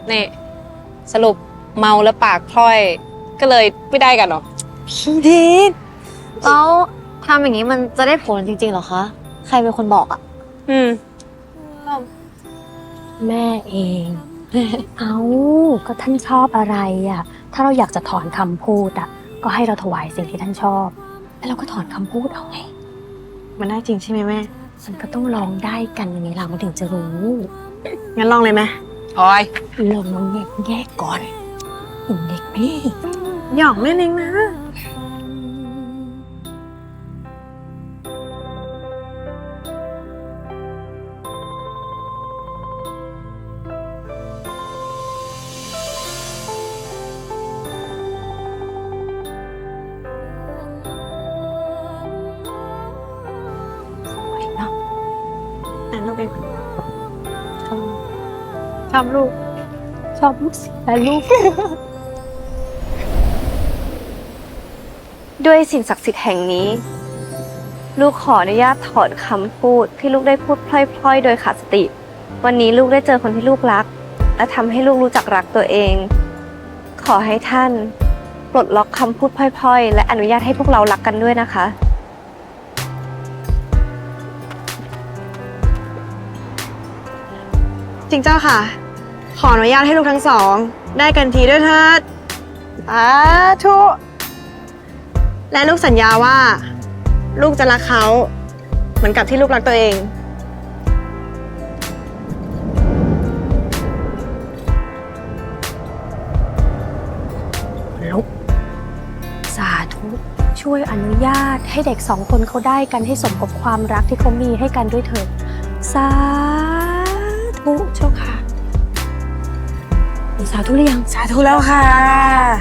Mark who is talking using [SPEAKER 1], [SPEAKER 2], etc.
[SPEAKER 1] นี่สรุปเมาแล้วปากพร่อยก็เลยไม่ได้กันหรอ
[SPEAKER 2] พี่ทิศแล้วทำอย่างนี้มันจะได้ผลจริงๆเหรอคะใครเป็นคนบอกอ่ะ
[SPEAKER 3] แม่เอง เอาก็ท่านชอบอะไรอ่ะ ถ้าเราอยากจะถอนคำพูดอ่ะ ก็ให้เราถวายสิ่งที่ท่านชอบ แล้วเราก็ถอนคำพูดเอาไง
[SPEAKER 2] มันได้จริงใช่ไหมแม่
[SPEAKER 3] มันก็ต้องลองได้กันอย่างนี้เรามันถึงจะรู้
[SPEAKER 2] งั้นลองเลยไหม
[SPEAKER 1] พลอย
[SPEAKER 3] ลองน้องแยกก่อนเด็กนี่
[SPEAKER 2] หยอกแม่เองนะลูกเองชอบลูก
[SPEAKER 3] สิแต่ลูก
[SPEAKER 4] ด้วยสิ่งศักดิ์สิทธิ์แห่งนี้ ลูกขออนุญาตถอนคำพูดที่ลูกได้พูดพล่อยๆ โดยขาดสติ วันนี้ลูกได้เจอคนที่ลูกรัก และทำให้ลูกรู้จักรักตัวเอง ขอให้ท่านปลดล็อกคำพูดพล่อยๆ และอนุญาตให้พวกเรารักกันด้วยนะคะ
[SPEAKER 2] จริงเจ้าค่ะ ขออนุญาตให้ลูกทั้งสองได้กันทีด้วยเถิดสาธุและลูกสัญญาว่า ลูกจะรักเขาเหมือนกับที่ลูกรักตัวเอง
[SPEAKER 3] ลุกสาธุช่วยอนุญาตให้เด็กสองคนเขาได้กันให้สมกับความรักที่เขามีให้กันด้วยเถิดสาธุเจ้าค่ะสาธุหรือยัง
[SPEAKER 2] สาธุแล้วค่ะ